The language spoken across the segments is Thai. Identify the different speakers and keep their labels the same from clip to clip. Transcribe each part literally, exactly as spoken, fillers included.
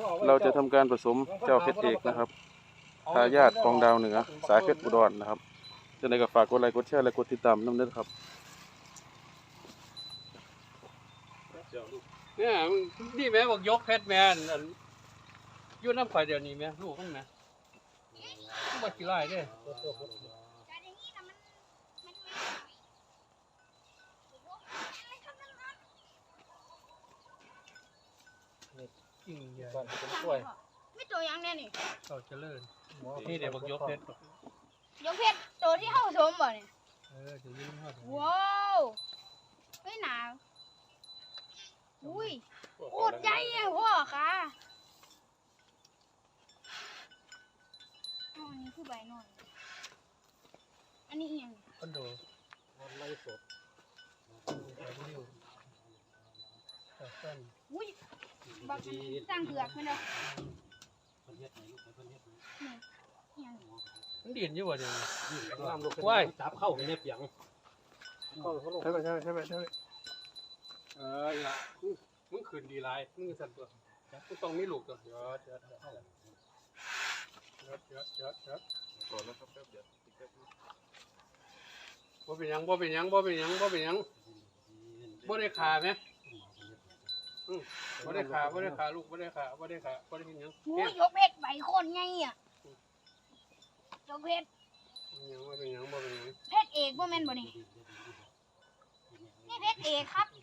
Speaker 1: เราจะทำการผสมเจ้าเพชรเอกนะครับทายาทของดาวเหนือสายเพชรอุดรนะครับจะในกับฝากกดไลค์กดแชร์และกดติดตามน้ำเด้อครับ
Speaker 2: เนี่ยนี่แม่บอกยกเพชรแม่นยุ่น้ำข่อยเดี๋ยวนี้แม่ลูกของแม่บ่กี่ไร่เด้จริงใหญ่
Speaker 3: ไม่ตัวยังแน่นี่
Speaker 2: เขาเจริญนี่เดี๋ยวบอกยกเพชร
Speaker 3: ยกเพชรตัวที่เข้าสมบ่เนี่ย
Speaker 2: เออจะยืนทอด
Speaker 3: ว้าวไม่หนาวอุ้ยโคตรใหญ่เลยพ่อค่ะอ๋ออันนี้คือใบหน่อยอันนี้ยัง
Speaker 2: คอนโดไล่สด
Speaker 3: อุ้ยบักสร้างเผือกไหมเนาะ
Speaker 2: มันดินอยู่วะเดี๋ยว
Speaker 4: ว้ายจับเข้าไปในเปียง
Speaker 2: ใช่ไหมใช่ไหมใช่ไหมใช่ไหมเออละมึงขืนดีไรมึงสั่นตัวมึงต้องมีลูกตัวเดี๋ยวเดี๋ยวเดี๋ยวเดี๋ยวเดี๋ยวเดี๋ยวก่อนนะครับแป๊บเดียวบ่เป็นยังบ่เป็นยังบ่เป็นยังบ่เป็นยังบ่ได้ขาไหมบ่ได้ขาบ่ได้ขาลูกบ่ได้ขาบ่ได้ขาบ่ได้กินยัง
Speaker 3: โอ้ยยกเพชรใบโคนไงอ่ะยกเพชร
Speaker 2: ยังบ่เป็นยังบ่เป็นยัง
Speaker 3: เพชรเอกบ่แม่นบ่นี่นี่เพชรเอกครับ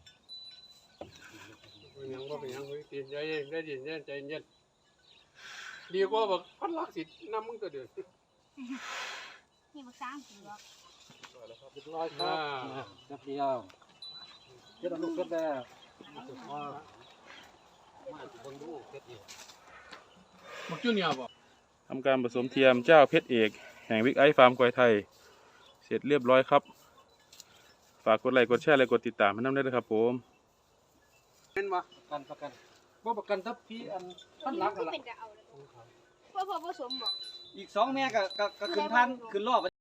Speaker 2: เป็นยังบ่เป็นยังตีนใจเย็นได้ดินเย็นใจเย็นดีกว่าแบบพันลักสิน้ำมึงตัวเดือด
Speaker 3: นี่บักสร้างเผือก
Speaker 4: เรียบร้อยครับจับเดียวเจ็ดลูกเจ็ดแล้วมาคนดูเจ็ดเดียว
Speaker 2: บักจุนยาบ่
Speaker 1: ทำการผสมเทียมเจ้าเพชรเอกแห่งวิกไอฟาร์มควายไทยเสร็จเรียบร้อยครับฝากกดไลค์กดแชร์และกดติดตามให้น้ำได้เลยครับผม
Speaker 2: เป็นบ่
Speaker 4: ประกันประกันว่าประกันทับพี่อันท่านรักกันละ
Speaker 3: พ่อพ่อผสมบอก
Speaker 4: อีกสองแม่ก็ก็ขึ้นท่านขึ้นรอบ